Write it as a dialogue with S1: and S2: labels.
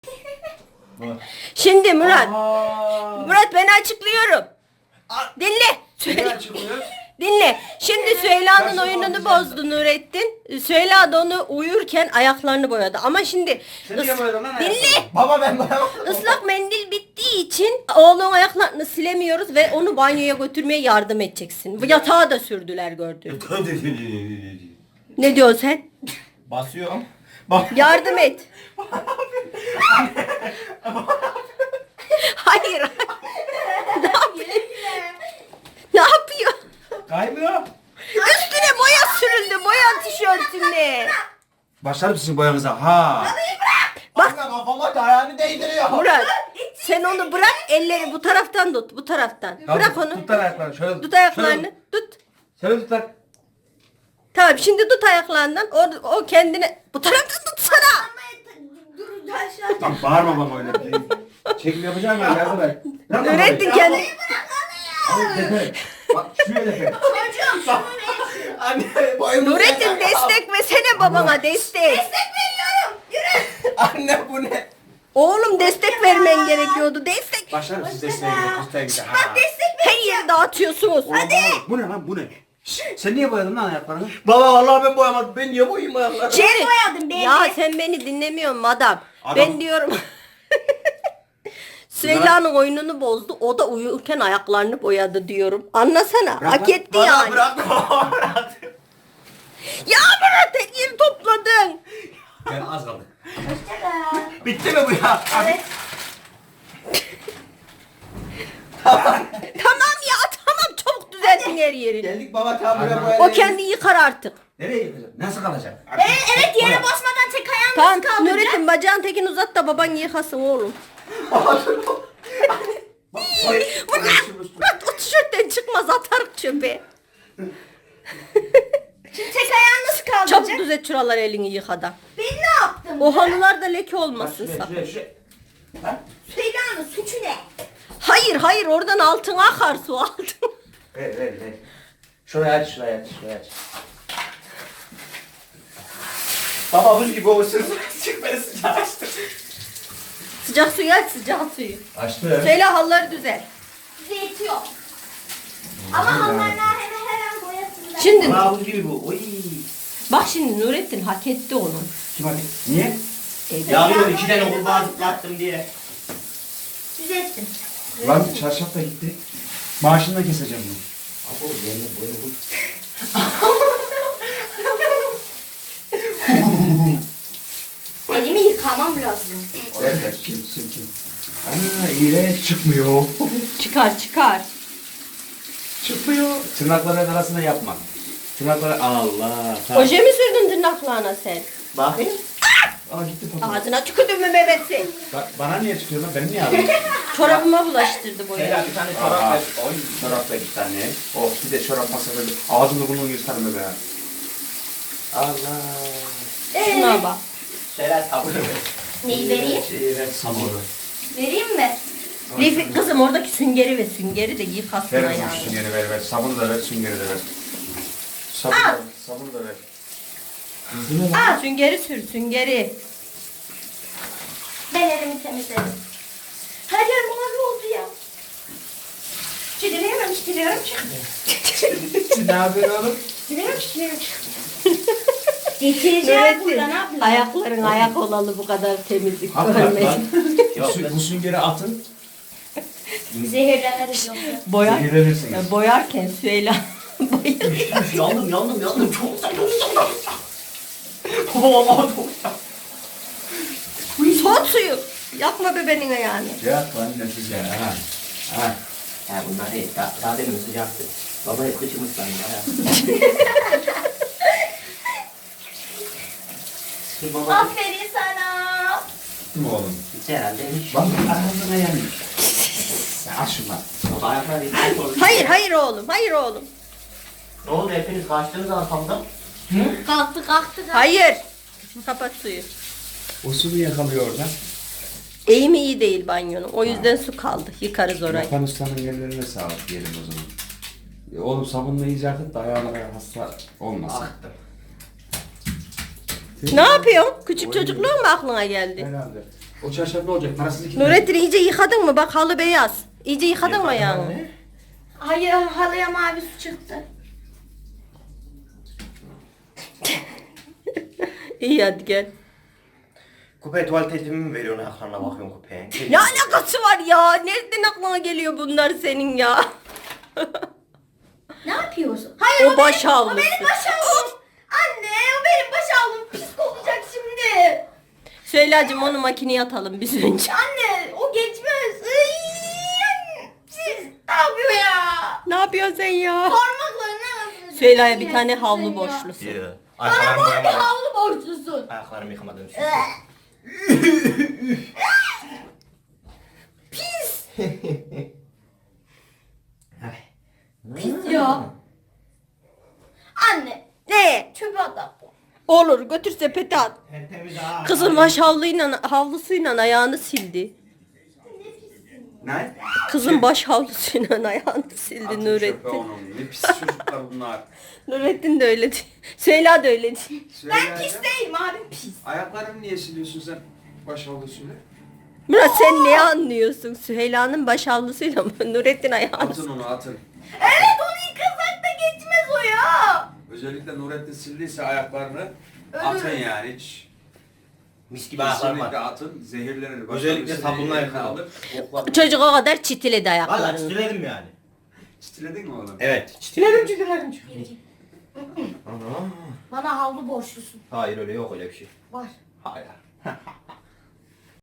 S1: Şimdi Murat.
S2: Aa.
S1: Murat ben açıklıyorum. Dinle.
S2: Ne
S1: Söyle.
S2: açıklıyor?
S1: Dinle. Şimdi Süheyla'nın
S2: Sen
S1: oyununu
S2: şimdi
S1: bozdu Nurettin. Süheyla da onu uyurken ayaklarını boyadı. Ama şimdi
S2: Sen niye boyadın lan
S1: dinle.
S2: ayaklarını? Baba ben boyamadım.
S1: Islak mendil bittiği için oğlun ayaklarını silemiyoruz ve onu banyoya götürmeye yardım edeceksin. Bu yatağa da sürdüler gördün. Ne diyorsun sen?
S2: Basıyorum. Bak.
S1: Yardım et. Hayır. Ne yapıyor? Ne yapıyor?
S2: Kaymıyor.
S1: Üstüne boya sürüldü. Boya tişörtüne.
S2: Başlar mısın boyamıza? Ha.
S1: Bak.
S2: Anne kafama da ayağını değdiriyor.
S1: Murat sen onu bırak, elleri bu taraftan tut, bu taraftan. Bırak onu.
S2: Tut lan ayaklarını şöyle.
S1: Tut ayaklarını. Tut.
S2: Şöyle tut lan.
S1: Tamam şimdi tut ayaklarından. O kendine bu taraftan tutsana.
S2: Lan bağırma bana öyle. Çekim yapacağım ben yardım et.
S1: Nurettin kendi.
S2: Bak şuraya da Anne boyumu.
S1: Nurettin destek versene babana destek.
S2: Anne bu ne?
S1: Oğlum destek vermen gerekiyordu. Destek.
S2: Başlar mısın desteğe gidelim? Desteğe gidelim. Ha.
S1: Her yeri dağıtıyorsunuz.
S2: Hadi. Bu ne lan bu ne? Sen niye boyadın lan ayaklarını? Baba vallahi ben boyamadım. Ben niye boyayım ayaklarını?
S1: Jerry. Ya sen beni dinlemiyorsun adam. Ben diyorum. Süheyla'nın oyununu bozdu. O da uyurken ayaklarını boyadı diyorum. Anlasana. Hak etti yani.
S2: Bırakma. Bırak.
S1: Ya Murat her yeri topladın.
S2: Ben az kaldı. Bitti mi bu ya?
S1: Evet. Tamam ya tamam çabuk düzeltin her yerini.
S2: Geldik baba tamam buraya boyayalım.
S1: O kendi yıkar artık.
S2: Nereye yıkacak? Nasıl kalacak?
S3: Evet yere basmadan tek ayağın
S1: Tamam
S3: nasıl kaldıracak?
S1: Nurettin bacağın tekini uzat da baban yıkasın oğlum. Murat o tişörtten çıkmaz atar çöpe.
S3: Şimdi tek ayağın nasıl
S1: Çabuk
S3: kaldıracak?
S1: düzelt şuralar elini yıkadan.
S3: Ben ne yaptım?
S1: O halılarda leke olmasın sakın.
S2: Şuraya.
S3: Süheyla'nın suçu ne?
S1: Hayır oradan altına akar su altın.
S2: Ver. Şuraya aç. Baba buz gibi olsun. Çık beni sıcağı açtı.
S1: Sıcak suyu aç sıcak suyu.
S2: Açtı.
S1: Söyle halıları düzelt.
S3: Bize yetiyor. Ama halılarına hemen her an boyasınlar.
S1: Şimdi
S2: Baba buz gibi bu. Oy.
S1: bak şimdi Nurettin hak etti onu.
S2: Kim hadi? Niye?
S1: Ya,
S4: 2 tane kurbağa zıplattım diye.
S3: Düzelttim.
S2: Lan çarşaf da gitti. Maaşını da keseceğim bunu.
S4: Abo yerine boyadım.
S3: Elimi yıkamam lazım.
S2: Ver. Kim? Aa iğrenç çıkmıyor.
S1: çıkar.
S2: Çıkmıyor. Tırnakların arasına yapma. Tırnakları Allah.
S1: Oje mi sürdün tırnaklarına sen?
S4: Bakayım.
S2: Aa gitti fotoğraf.
S1: Ağzına tükürdün mü Mehmet'i?
S2: Bana niye çıkıyor lan? Benim niye ağrıyor?
S1: Çorabıma bulaştırdı boya.
S4: Seyla bir tane çorap
S2: Aa.
S4: ver.
S2: Oy çorap da iki tane. Oh bir de çorap masada. Ağzını burnunu yırtarım be. Allah.
S1: Şuna bak.
S4: Seyla sabunu ver.
S3: Neyi vereyim?
S2: Şey ver sabunu.
S3: Vereyim mi?
S1: Lifi, kızım oradaki süngeri ve süngeri de yıkasın
S2: Ver
S1: ayağını.
S2: kızım süngeri ver. Sabunu da ver, süngeri de ver. Sabunu da ver.
S1: Süngeri sür süngeri.
S3: Ben elimi temizledim. Her yer mavi oldu ya. Çidiliyorum çık.
S2: Ne yapıyorsun oğlum?
S3: Çidiliyorum çık. Getireceğim buradan abla.
S1: Ayakların ayak olalı bu kadar temizlik
S2: Hakikaten lan.
S1: görmedim.
S2: Bu süngeri atın.
S3: Zehirleniriz yoksa.
S1: Boyar,
S2: Zehirlenirsiniz.
S1: boyarken Süheyla boyar.
S4: Yandım. Çok sıcak. Baba çok sıcak.
S1: Soğut suyu. Yapma bebeğin ayağını.
S2: Ya lan nefis ya. Ha.
S4: Ya bunlar değil. Daha demin sıcaktı. Baba hep kıçımız sandı. Dur baba.
S3: Aferin sana.
S2: Değil mi oğlum?
S4: Hiç herhalde hiç.
S2: Bak ağzına yanıyor. Ya aç şunu lan.
S4: Baba ayaklar değil.
S1: Hayır oğlum.
S4: Ne oldu hepiniz kaçtınız arkamda?
S3: Kalktı.
S1: Hayır. Kapat suyu.
S2: O su niye kalıyor orada?
S1: Eğimi iyi değil banyonun. O yüzden su kaldı. Yıkarız orayı.
S2: Yapan ustanın ellerine sağlık diyelim o zaman. Oğlum sabunla iyice akıt da ayağına hasta olmasın.
S4: Aktım.
S1: Ne yapıyorsun? Küçük çocukluğun mu aklına geldi?
S2: Herhalde. O çarşaf ne olacak? Parasız iki
S1: Nurettin iyice yıkadın mı? Bak halı beyaz. İyice yıkadın mı ayağını?
S3: Hayır halıya mavi su çıktı.
S1: İyi hadi gel.
S4: Kupaya tuvalet elimi mi veriyorsun ayaklarına bakıyorum kupaya?
S1: Ne alakası var ya? Nereden aklına geliyor bunlar senin ya?
S3: Ne yapıyorsun? Hayır
S1: O baş havlusu.
S3: O benim baş havlum. Anne o benim baş havlum. Pis kokacak şimdi.
S1: Süheyla'cığım onu makineye atalım biz önce.
S3: Anne o geçmez. Siz ne yapıyor ya?
S1: Ne yapıyorsun sen ya?
S3: Parmaklarını nasıl?
S1: Süheyla'ya bir tane havlu borçlusun.
S3: Bana
S4: Ayaklarımı
S3: bu bir
S4: yıkamadım.
S3: havlu borçlusun.
S4: Ayaklarımı yıkamadım.
S3: Pis. Pis ya. Anne
S1: Ne?
S3: çöpe at.
S1: Olur götür sepete at.
S4: Tertemiz ha.
S1: Kızım baş havlusuyla ayağını sildi.
S2: Ne?
S1: Kızın baş havlusuyla ayağını sildi
S2: Atın çöpe
S1: Nurettin.
S2: onu. Ne pis çocuklar bunlar.
S1: Nurettin de öyle değil. Süheyla da öyle değil.
S3: Ben pis değilim abim pis.
S2: Ayaklarını niye siliyorsun sen baş havlusuyla?
S1: Murat sen ne anlıyorsun? Süheyla'nın baş havlusuyla mı? Nurettin ayağını
S2: Atın onu atın.
S3: Evet onu yıkasak da geçmez o ya.
S2: Özellikle Nurettin sildiyse ayaklarını
S3: Öyle
S2: atın
S3: mi?
S2: yani hiç.
S4: Mis gibi ayaklarım
S2: Kesinlikle
S4: var.
S2: atın. Zehirlenir.
S4: Özellikle sabunla
S2: eline
S4: yıkayalım.
S2: alır, koklar.
S1: Çocuk o kadar çitiledi
S4: Valla
S1: ayaklarını.
S4: çitiledim yani.
S2: Çitiledin mi oğlum?
S4: Evet. Çitiledim.
S3: Bana havlu borçlusun.
S4: Hayır öyle yok öyle bir şey.
S3: Var.
S4: Hayır.